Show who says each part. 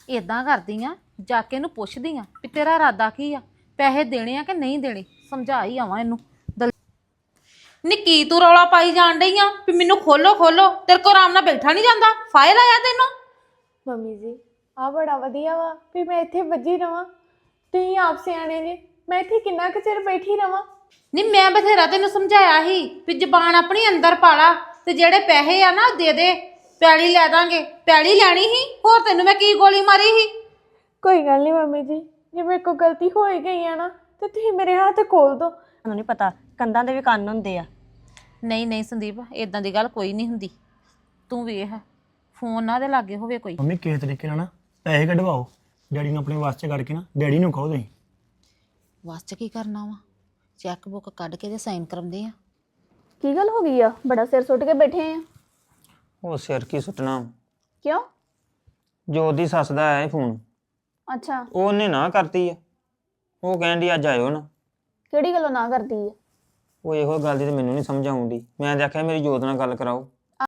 Speaker 1: ਇਦਾਂ ਕਰਦੀ ਆ, ਜਾ ਕੇ ਇਹਨੂੰ ਪੁੱਛਦੀ ਆ ਵੀ ਤੇਰਾ ਇਰਾਦਾ ਕੀ ਆ, ਪੈਸੇ ਦੇਣੇ ਆ ਕਿ ਨਹੀਂ ਦੇਣੇ। ਸਮਝਾ ਹੀ ਆਵਾਂ ਇਹਨੂੰ। ਨੀ ਕੀ ਤੂੰ ਰੌਲਾ ਪਾਈ ਜਾਣ ਡਈ ਆ ਵੀ ਮੈਨੂੰ ਖੋਲੋ ਖੋਲੋ? ਤੇਰੇ ਕੋਲ ਆਰਾਮ ਨਾਲ ਬੈਠਾ ਨਹੀਂ ਜਾਂਦਾ? ਫਾਇਲ ਆਇਆ ਤੈਨੂੰ?
Speaker 2: ਮੰਮੀ ਜੀ ਆ ਬੜਾ ਵਧੀਆ ਵਾ ਵੀ ਮੈਂ ਇੱਥੇ ਵੱਜੀ ਰਵਾਂ। ਤੁਸੀਂ ਆਪ ਸਿਆਣੇ ਜੀ, ਮੈਂ ਇੱਥੇ ਕਿੰਨਾ ਕੁ ਚਿਰ ਬੈਠੀ ਰਵਾਂ।
Speaker 1: ਨੀ ਮੈਂ ਬਥੇਰਾ ਤੈਨੂੰ ਸਮਝਾਇਆ ਸੀ ਵੀ ਜ਼ਬਾਨ ਆਪਣੀ ਅੰਦਰ ਪਾ ਲਾ, ਤੇ ਜਿਹੜੇ ਪੈਸੇ ਆ ਨਾ ਦੇ ਦੇ, ਪੈਲੀ ਲੈ ਦਾਂਗੇ। ਪੈਲੀ ਲੈਣੀ ਸੀ, ਹੋਰ ਤੈਨੂੰ ਮੈਂ ਕੀ ਗੋਲੀ ਮਾਰੀ ਸੀ?
Speaker 2: ਕੋਈ ਗੱਲ ਨਹੀਂ ਮੰਮੀ ਜੀ, ਜੇ ਮੇਰੇ ਕੋਲ ਗਲਤੀ ਹੋ ਹੀ ਗਈ ਆ ਨਾ ਤੇ ਤੁਸੀਂ ਮੇਰੇ ਹੱਥ ਖੋਲ ਦਿਓ।
Speaker 3: ਤੁਹਾਨੂੰ ਨਹੀਂ ਪਤਾ ਕੰਧਾਂ ਦੇ ਵੀ ਕੰਨ ਹੁੰਦੇ ਆ।
Speaker 1: ਨਹੀਂ ਨਹੀਂ ਸੰਦੀਪ, ਇਦਾਂ ਦੀ ਗੱਲ ਕੋਈ ਨਹੀਂ ਹੁੰਦੀ। ਤੂੰ ਵੇਖ ਫੋਨ ਨਾ ਦੇ ਲਾਗੇ ਹੋਵੇ ਕੋਈ।
Speaker 4: ਮੰਮੀ ਕਿਸੇ ਤਰੀਕੇ ਨਾਲ ਨਾ ਪੈਸੇ ਕਢਵਾਓ, ਡੈਡੀ ਨੂੰ ਆਪਣੇ ਵਾਸਤੇ ਕਰਕੇ ਨਾ ਡੈਡੀ ਨੂੰ ਕਹੋ ਤੁਸੀਂ।
Speaker 1: ਬਸ ਚ ਕੀ ਕਰਨਾ ਵਾ? ਚੈੱਕ ਬੁੱਕ ਕੱਢ ਕੇ ਤੇ ਸਾਈਨ ਕਰਾਉਂਦੇ ਆ।
Speaker 2: ਕੀ ਗੱਲ ਹੋ ਗਈ ਆ? ਬੜਾ ਸਿਰ ਸੁੱਟ ਕੇ ਬੈਠੇ ਆ।
Speaker 5: ਉਹ ਸਿਰ ਕੀ ਸੁੱਟਣਾ?
Speaker 2: ਕਿਉਂ?
Speaker 5: ਜੋਤ ਦੀ ਸੱਸ ਦਾ ਆਇਆ ਫੋਨ,
Speaker 2: ਅੱਛਾ,
Speaker 5: ਉਹਨੇ ਨਾ ਕਰਤੀ ਆ। ਉਹ ਕਹਿੰਦੀ ਅੱਜ ਆਇਓ ਨਾ।
Speaker 2: ਕਿਹੜੀ ਗੱਲੋਂ ਨਾ ਕਰਦੀ ਆ?
Speaker 5: ਉਹ ਇਹੋ ਗੱਲ ਦੀ ਤੇ ਮੈਨੂੰ ਨਹੀਂ ਸਮਝ ਆਉਂਦੀ। ਮੈਂ ਦੇਖਿਆ ਮੇਰੀ ਜੋਤ ਨਾਲ ਗੱਲ ਕਰਾਓ।